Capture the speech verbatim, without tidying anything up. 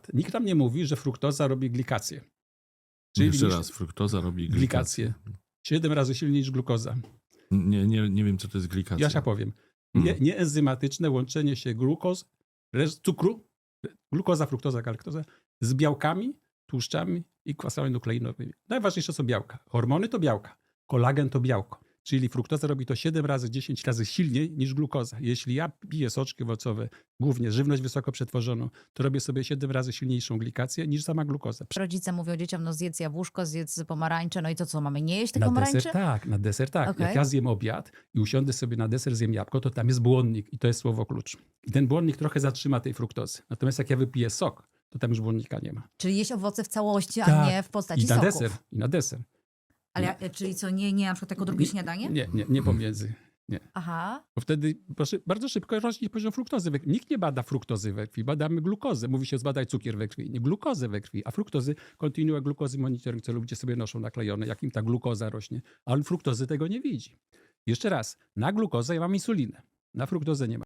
przykład, nikt nam nie mówi, że fruktoza robi glikację. Jeszcze niż- raz, fruktoza robi glikację. glikację. Siedem razy silniej niż glukoza. Nie, nie, nie wiem, co to jest glikacja. Ja się powiem. Nie, Mm. nieenzymatyczne łączenie się glukoz, resz- cukru, glukoza, fruktoza, galaktoza z białkami, tłuszczami i kwasami nukleinowymi. Najważniejsze są białka. Hormony to białka. Kolagen to białko. Czyli fruktoza robi to siedem razy, dziesięć razy silniej niż glukoza. Jeśli ja piję soczki owocowe, głównie żywność wysoko przetworzoną, to robię sobie siedem razy silniejszą glikację niż sama glukoza. Rodzice mówią dzieciom, no zjedz jabłuszko, zjedz pomarańcze, no i to co, mamy nie jeść tych Na pomarańczy? deser tak, na deser tak. Okej. Jak ja zjem obiad i usiądę sobie na deser, zjem jabłko, to tam jest błonnik i to jest słowo klucz. I ten błonnik trochę zatrzyma tej fruktozy. Natomiast jak ja wypiję sok, to tam już błonnika nie ma. Czyli jeść owoce w całości, a Tak. nie w postaci I na soków. deser, i na deser. Ale, ja- czyli co, nie, nie na przykład jako drugie śniadanie? Nie, nie, nie pomiędzy. Aha. Bo wtedy proszę, bardzo szybko rośnie poziom fruktozy we krwi. Nikt nie bada fruktozy we krwi, badamy glukozę. Mówi się, zbadaj cukier we krwi, nie glukozę we krwi. A fruktozy, kontynuuje glukozy monitoring, co ludzie sobie noszą naklejone, jak im ta glukoza rośnie. Ale fruktozy tego nie widzi. Jeszcze raz, na glukozę ja mam insulinę, na fruktozę nie ma.